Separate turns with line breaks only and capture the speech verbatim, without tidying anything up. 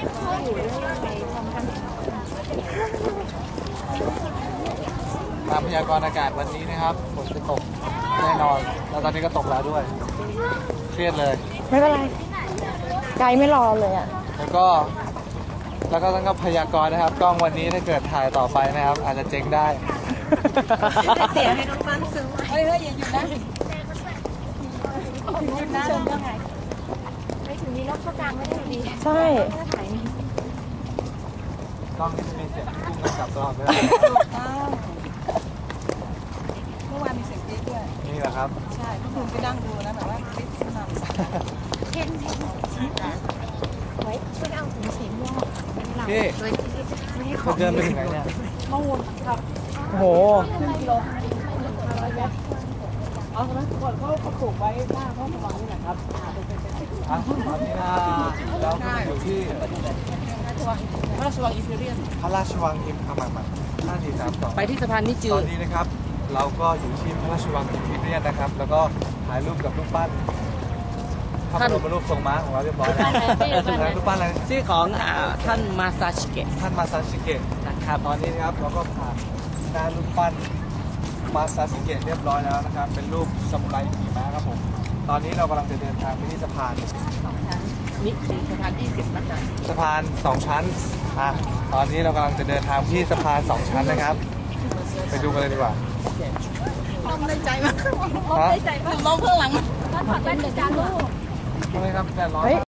ตามพยากรณ์อากาศวันนี้นะครับฝนจะตกแน่นอนแล้วตอนนี้ก็ตกแล้วด้วยเครียดเลย
ไม่เป็นไรไกด์ไม่รอเลยอ่ะ
แล้วก็แล้วก็ต้องก็พยากรณ์นะครับกล้องวันนี้ถ้าเกิดถ่ายต่อไปนะครับอาจจะเจ๊งได้
เสียให้น้องฟังซื้อเฮ้ยเฮ้ยอย่าหยุดนะหยุดนะยังไงไม่ถึงนี้รถก็กลางไม่ได้ดีใช่
กล้องนี่มีเสียงพุ่งกลับตลอดเวลา
เมื่อวานมีเสียงจี๊ดด้วย
นี่แหละครับ
ใช่ก็คุณไปนั่งดูนะแบบว่าจี๊ดสนั่นเห็นไว้ช่วยเอาถุงสีม่วง
พี่คุณเดินไปถึงไหนเนี่ย
มะม่วงครับ
โอ้โห
เอาใช่ไหมก่อนเขาเขาปลูกไว้หน้าพระสว่างนี่แหละครับ
อ่ะตอนนี้นะเราอยู่ที่
พระราชวังอิมพีเรียล
พระราชวังอิมพามาห้าสี่สามสอง
ไปที่สะพานนิจื
อตอนนี้นะครับเราก็อยู่ที่พระราชวังอิมพีเรียลนะครับแล้วก็ถ่ายรูปกับรูปปั้นพระบรมรูปทรงม้าของเราเรียบร้อยแล้วรูปปั้นอะไร
ชื่อของท่านมาซาชิเกะ
ท่านมาซาชิเกะนะครับตอนนี้นะครับเราก็ผ่านหน้ารูปปั้นมาซาชิเกะเรียบร้อยแล้วนะครับเป็นรูปซามูไรขี่ม้าครับผมตอนนี้เรากำลังจะเดินทางไปที่สะพาน
สองชั้นนี่คือสะพานยี่สิบนะคะ
สะพานสองชั้นอ่ะตอนนี้เรากำลังจะเดินทางที่สะพานสองชั้นนะครับไปดูกันเลยดีกว่า
ล้มได้ใจมากล้มได้ใจมากล้มเพื่อหลังมาถอดแว่นเดี๋ยวจานลูก
ทำไมครับแดดร้อน